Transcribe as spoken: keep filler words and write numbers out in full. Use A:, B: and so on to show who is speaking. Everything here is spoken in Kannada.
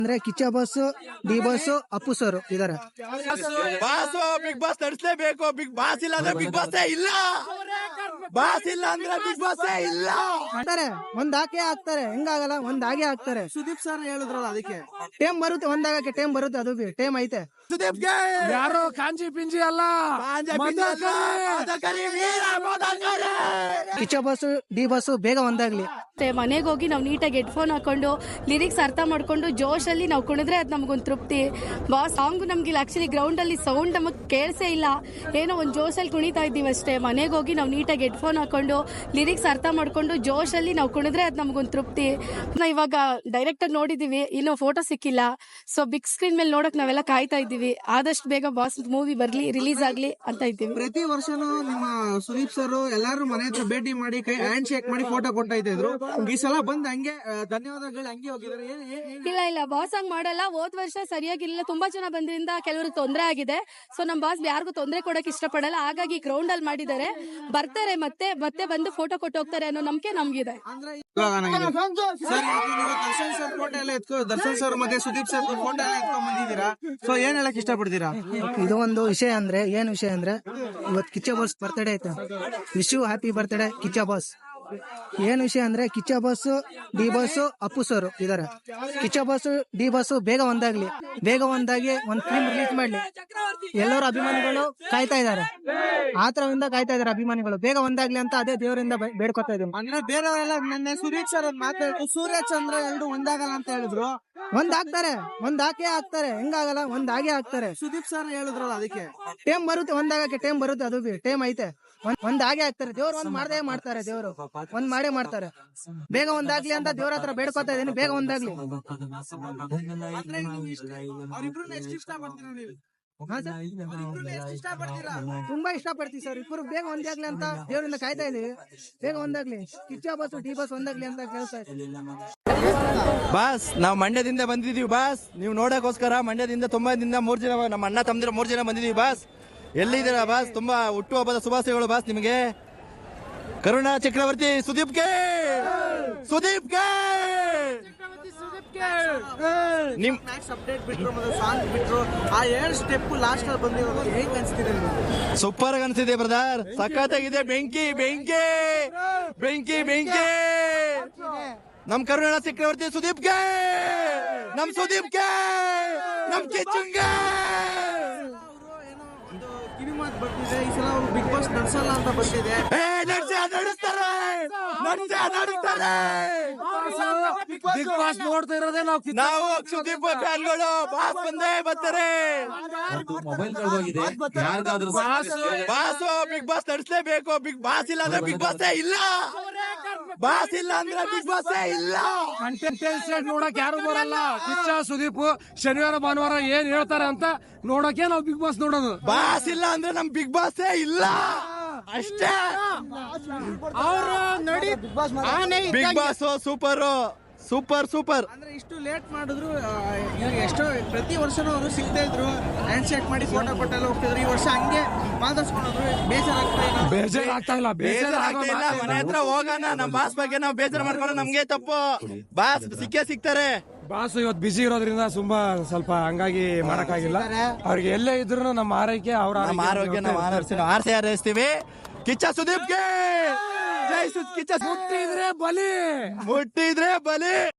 A: ಅಂದ್ರೆ Kichcha boss, D boss, Appu sir ಇದಾರೆ.
B: ಬಾಸ್ ಬಿಗ್ ಬಾಸ್ ನಡೆಸಲೇಬೇಕು. ಬಿಗ್ ಬಾಸ್ ಇಲ್ಲ ಅಂದ್ರೆ ಬಿಗ್ ಬಾಸ್ ಇಲ್ಲ. ಬಾಸ್ ಇಲ್ಲ ಅಂದ್ರೆ ಬಿಗ್ ಬಾಸ್ ಇಲ್ಲ
A: ಅಂತಾರೆ. ಒಂದ್ ಹಾಕೇ ಹಾಕ್ತಾರೆ, ಹೆಂಗಾಗಲ್ಲ, ಒಂದ್ ಹಾಗೆ ಹಾಕ್ತಾರೆ.
C: ಸುದೀಪ್ ಸರ್ ಹೇಳಿದ್ರಲ್ಲ, ಅದಕ್ಕೆ
A: ಟೇಮ್ ಬರುತ್ತೆ, ಒಂದಾಗಕ್ಕೆ ಟೇಮ್ ಬರುತ್ತೆ, ಅದು ಬಿ ಟೇಮ್ ಐತೆ.
B: ಸುದೀಪ್ಗೆ
D: ಯಾರೋ ಕಾಂಜಿ ಪಿಂಜಿ ಅಲ್ಲ,
A: ಕಿಚ್ಚ ಬಾಸ್, ಡಿ ಬಾಸ್ ಬೇಗ ಒಂದಾಗ್ಲಿ.
E: ಮನೆಗೆ ಹೋಗಿ ನಾವು ನೀಟಾಗಿ ಹೆಡ್ಫೋನ್ ಹಾಕೊಂಡು ಲಿರಿಕ್ಸ್ ಅರ್ಥ ಮಾಡ್ಕೊಂಡು ಜೋಶ್ ಅಲ್ಲಿ ನಾವು ಕುಣಿದ್ರೆ ಅದು ನಮಗೊಂದು ತೃಪ್ತಿ. ಬಾಸ್ ಸಾಂಗ್ ನಮ್ಗಿಲ್ಲ, ಆಕ್ಚುಲಿ ಗ್ರೌಂಡ್ ಅಲ್ಲಿ ಸೌಂಡ್ ನಮಗ್ ಕೇಳಿಸೇ ಇಲ್ಲ, ಏನೋ ಒಂದು ಜೋಶಲ್ಲಿ ಕುಣಿತಾ ಇದ್ದೀವಿ ಅಷ್ಟೇ. ಮನೆಗೆ ಹೋಗಿ ನಾವು ನೀಟಾಗಿ ಹೆಡ್ಫೋನ್ ಹಾಕೊಂಡು ಲಿರಿಕ್ಸ್ ಅರ್ಥ ಮಾಡ್ಕೊಂಡು ಜೋಶ್ ಅಲ್ಲಿ ನಾವು ಕುಣಿದ್ರೆ ಅದು ನಮಗೊಂದು ತೃಪ್ತಿ. ನಾವು ಇವಾಗ ಡೈರೆಕ್ಟ್ ಆಗಿ ನೋಡಿದೀವಿ, ಇನ್ನೂ ಫೋಟೋ ಸಿಕ್ಕಿಲ್ಲ. ಸೊ ಬಿಗ್ ಸ್ಕ್ರೀನ್ ಮೇಲೆ ನೋಡಕ್ ನಾವೆಲ್ಲ ಕಾಯ್ತಾ ಇದ್ದೀವಿ. ಆದಷ್ಟು ಬೇಗ ಬಾಸ್ ಮೂವಿ ಬರ್ಲಿ, ರಿಲೀಸ್ ಆಗ್ಲಿ ಅಂತ ಇದ್ದೀವಿ.
C: ಪ್ರತಿ ವರ್ಷನೂ ನಿಮ್ಮ ಸುದೀಪ್ ಸರ್ ಎಲ್ಲಾರು ಮನೆ ಹತ್ರ ಭೇಟಿ ಮಾಡಿ ಕೈ ಹ್ಯಾಂಡ್ ಶೇಕ್ ಮಾಡಿ ಫೋಟೋ ಕೊಡ್ತಾ ಇದ್ರು. ಈ ಸಲ ಬಂದ್ ಹಂಗೆ ಧನ್ಯವಾದಗಳು ಹಂಗೆ ಹೋಗಿದ್ದಾರೆ.
E: ಇಲ್ಲ ಇಲ್ಲ ಬಾಸ್ ಹಂಗ್ ಮಾಡಲ್ಲ. ಹೋದ್ ವರ್ಷ ಸರಿಯಾಗಿರ್ಲಿಲ್ಲ, ತುಂಬಾ ಜನ ಬಂದ್ರಿಂದ ಕೆಲವ್ರಿಗೆ ತೊಂದರೆ ಆಗಿದೆ. ಸೊ ನಮ್ ಬಾಸ್ ಯಾರಿಗೂ ತೊಂದರೆ ಕೊಡಕ್ ಇಷ್ಟಪಡಲ್ಲ, ಹಾಗಾಗಿ ಗ್ರೌಂಡ್ ಅಲ್ಲಿ ಮಾಡಿದ್ದಾರೆ. ಬರ್ತಾರೆ, ಮತ್ತೆ ಮತ್ತೆ ಬಂದು ಫೋಟೋ ಕೊಟ್ಟು ಹೋಗ್ತಾರೆ ಅನ್ನೋ ನಂಬಿಕೆ ನಮ್ಗಿದೆ.
C: ದರ್ಶನ್ ಸರ್ ಫೋಟೋ ಎಲ್ಲ ಎತ್ಕೊ ದರ್ಶನ್ ಸರ್ ಮತ್ತೆ ಸುದೀಪ್ ಸರ್ ಫೋಟೋ ಎಲ್ಲ ಎತ್ಕೊಂಡ್ ಬಂದಿದ್ದೀರಾ. ಸೊ ಏನ್ ಹೇಳಕ್ ಇಷ್ಟಪಡ್ತೀರಾ?
A: ಇದು ಒಂದು ವಿಷಯ ಅಂದ್ರೆ, ಏನ್ ವಿಷಯ ಅಂದ್ರೆ ಇವತ್ತು ಕಿಚ್ಚ ಬಾಸ್ ಬರ್ತ್ಡೇ ಐತೆ. Wish you happy birthday Kichcha boss. ಏನ್ ವಿಷಯ ಅಂದ್ರೆ Kichcha boss, D boss, Appu sir ಇದಾರೆ. ಕಿಚ್ಚ ಬಾಸ್, ಡಿ ಬಾಸ್ ಬೇಗ ಒಂದಾಗ್ಲಿ, ಬೇಗ ಒಂದಾಗಿ ಒಂದ್ ಫಿಲ್ಮ್ ರಿಲೀಸ್ ಮಾಡ್ಲಿ. ಎಲ್ಲರೂ ಅಭಿಮಾನಿಗಳು ಕಾಯ್ತಾ ಇದಾರೆ, ಆತರದಿಂದ ಕಾಯ್ತಾ ಇದಾರೆ ಅಭಿಮಾನಿಗಳು. ಬೇಗ ಒಂದಾಗ್ಲಿ ಅಂತ ಅದೇ ದೇವರಿಂದ ಬೇಡ್ಕೊತಾ ಇದ್ದೀನಿ.
C: ಅಂದ್ರೆ ಬೇರೆಯವರೆಲ್ಲ ನನ್ನ ಸುದೀಪ್ ಸರ್ ಮಾತಾಡಿದ್ರು, ಸೂರ್ಯ ಚಂದ್ರ ಎರಡು ಒಂದಾಗಲ್ಲ ಅಂತ ಹೇಳಿದ್ರು.
A: ಒಂದ್ ಹಾಕ್ತಾರೆ, ಒಂದ್ ಹಾಕೇ ಹಾಕ್ತಾರೆ, ಹೆಂಗಾಗಲ್ಲ, ಒಂದ್ ಹಾಗೆ ಹಾಕ್ತಾರೆ.
C: ಸುದೀಪ್ ಸರ್ ಹೇಳಿದ್ರಲ್ಲ, ಅದಕ್ಕೆ
A: ಟೇಮ್ ಬರುತ್ತೆ, ಒಂದಾಗಕ್ಕೆ ಟೇಮ್ ಬರುತ್ತೆ, ಅದು ಬಿ ಟೇಮ್ ಐತೆ. ಒಂದ್ ಹಾಗೆ ಹಾಕ್ತಾರೆ. ದೇವ್ರು ಒಂದ್ ಮಾಡದೇ ಮಾಡ್ತಾರೆ, ದೇವ್ರು ಒಂದ್ ಮಾಡೇ ಮಾಡ್ತಾರೆ. ಬೇಗ ಒಂದಾಗ್ಲಿ ಅಂತ ದೇವ್ರ ಹತ್ರ ಬೇಡ್ಕೊತಾ ಇದೀನಿ, ಬೇಗ ಒಂದಾಗ್ಲಿ. ತುಂಬಾ ಇಷ್ಟ ಪಡ್ತೀವಿ ಸರ್, ಇಬ್ಬರು ಬೇಗ ಒಂದಾಗ್ಲಿ ಅಂತ ದೇವರಿಂದ ಕಾಯ್ತಾ ಇದೀವಿ. ಬೇಗ ಒಂದಾಗ್ಲಿ, ಕಿಚ್ಚ ಬಾಸ್, ಡಿ ಬಾಸ್ ಒಂದಾಗ್ಲಿ ಅಂತ ಕೇಳ್ತಾ ಇದ್ದೀವಿ.
B: ಬಾಸ್ ನಾವು ಮಂಡ್ಯದಿಂದ ಬಂದಿದೀವಿ ಬಾಸ್. ನೀವು ನೋಡಕ್ಕೋಸ್ಕರ ಮಂಡ್ಯದಿಂದ ತುಂಬಾ ದಿನ ಮೂರ್ ಜನ ನಮ್ಮ ಅಣ್ಣ ತಮ್ಮದಿರ ಮೂರ್ ಜನ ಬಂದಿದೀವಿ ಬಾಸ್. ಎಲ್ಲಿದ್ದೀರಾ ಬಾಸ್? ತುಂಬಾ ಹುಟ್ಟು ಹಬ್ಬದ ಶುಭಾಶಯಗಳು ಬಾಸ್ ನಿಮಗೆ. ಕರುಣಾ ಚಕ್ರವರ್ತಿ ಸುದೀಪ್ಗೆ, ಸುದೀಪ್ಗೆ ನಿಮ್
C: ಅಪ್ಡೇಟ್ ಬಿಟ್ರು ಮತ್ತೆ ಸಾಂಗ್ ಬಿಟ್ರು, ಆ ಎರಡು ಸ್ಟೆಪ್ ಲಾಸ್ಟ್ ಅಲ್ಲಿ ಬಂದಿರೋದು ಹೇಗೆ ಅನ್ಸ್ತಿದೆ?
B: ಸೂಪರ್ ಆಗಿ ಅನ್ಸಿದೆ ಬ್ರದರ್, ಸಖತ್ತಾಗಿದೆ. ಬೆಂಕಿ ಬೆಂಕಿ ಬೆಂಕಿ ಬೆಂಕಿ ನಮ್ ಕರುಣಾ ಚಕ್ರವರ್ತಿ ಸುದೀಪ್ಗೆ, ನಮ್ ಸುದೀಪ್ಗೆ, ನಮ್ ಕಿಚ್ಚುಂಗೆ
C: ಕಿವಿ ಮಾತು ಬರ್ತಿದೆ. ಈ ಸಲ ಅವರು ಬಿಗ್ ಬಾಸ್ ನಡ್ಸಲ್ಲ ಅಂತ ಬಂದಿದೆ.
B: ನಡೆಸ್ತಾರೆ, ನಡೆಸ್ತಾರೆ.
D: ಬಿಗ್ ಬಾಸ್ ನೋಡ್ತಾ ಇರೋದೇ ನಾವು.
B: ನಾವು ಸುದೀಪ್ ಫ್ಯಾನ್ಗಳು. ಬಾಸ್ ಬಂದೇ ಬರ್ತಾರೆ. ಬಾಸ್ ಬಿಗ್ ಬಾಸ್ ನಡೆಸಲೇಬೇಕು. ಬಿಗ್ ಬಾಸ್ ಇಲ್ಲ ಅಂದ್ರೆ ಬಿಗ್ ಬಾಸ್ ಇಲ್ಲ. ಬಾಸ್ ಇಲ್ಲ ಅಂದ್ರೆ ಬಿಗ್ ಬಾಸ್ ಇಲ್ಲ.
D: ಕಂಟೆಂಟ್ ನೋಡಕ್ ಯಾರು ಬರಲ್ಲ. ಕಿಚ್ಚ ಸುದೀಪ್ ಶನಿವಾರ ಭಾನುವಾರ ಏನ್ ಹೇಳ್ತಾರೆ ಅಂತ ನೋಡಕ್ಕೆ ನಾವು ಬಿಗ್ ಬಾಸ್ ನೋಡೋದು.
B: ಬಾಸ್ ಇಲ್ಲ ಅಂದ್ರೆ ನಮ್ ಬಿಗ್ ಬಾಸ್ ಇಲ್ಲ ಅಷ್ಟೇ.
D: ಅವರು ನೋಡಿ
B: big boss super super super.
C: ಅಂದ್ರೆ ಇಷ್ಟು ಲೇಟ್ ಮಾಡಿದ್ರು, ಎಷ್ಟೋ ಪ್ರತಿ ವರ್ಷನೂ ಅವರು ಸಿಗ್ತಾ ಇದ್ರು, ಹ್ಯಾಂಡ್ ಶೇಕ್ ಮಾಡಿ ಫೋಟೋ ಕೊಟ್ಟೆಲ್ಲ ಹೋಗ್ತಿದ್ರು. ಈ ವರ್ಷ ಹಂಗೆ ಮಾತಾಡ್ಸ್ಕೊಂಡ್ರು. ಬೇಜಾರಾಗ್ತಾ ಇಲ್ಲ,
D: ಬೇಜಾರಾಗ್ತಾ ಇಲ್ಲ,
B: ಬೇಜಾರಾಗ್ತಾ ಇಲ್ಲ. ಮನೆ ಹತ್ರ ಹೋಗೋಣ, ನಮ್ ಬಾಸ್ ಬಗ್ಗೆ ನಾವು ಬೇಜಾರು ಮಾಡ್ಕೊಂಡು ನಮ್ಗೆ ತಪ್ಪು. ಬಾಸ್ ಸಿಕ್ಕೇ ಸಿಗ್ತಾರೆ.
D: ಬಾಸ್ ಇವತ್ತು ಬಿಸಿ ಇರೋದ್ರಿಂದ ತುಂಬಾ ಸ್ವಲ್ಪ ಹಂಗಾಗಿ ಮಾಡಕ್ಕಾಗಿಲ್ಲ. ಅವ್ರಿಗೆ ಎಲ್ಲೇ ಇದ್ರು ನಮ್ಮ ಆರೈಕೆ, ಅವ್ರ
B: ಆರೋಗ್ಯ ನಾವು ಆರ್ಸೆ ಹಾರೈಸ್ತೀವಿ. ಕಿಚ್ಚ ಸುದೀಪ್ಗೆ ಜೈ ಸುದ್ ಕಿಚ್ಚ.
D: ಮುಟ್ಟಿದ್ರೆ ಬಲಿ,
B: ಮುಟ್ಟಿದ್ರೆ ಬಲಿ.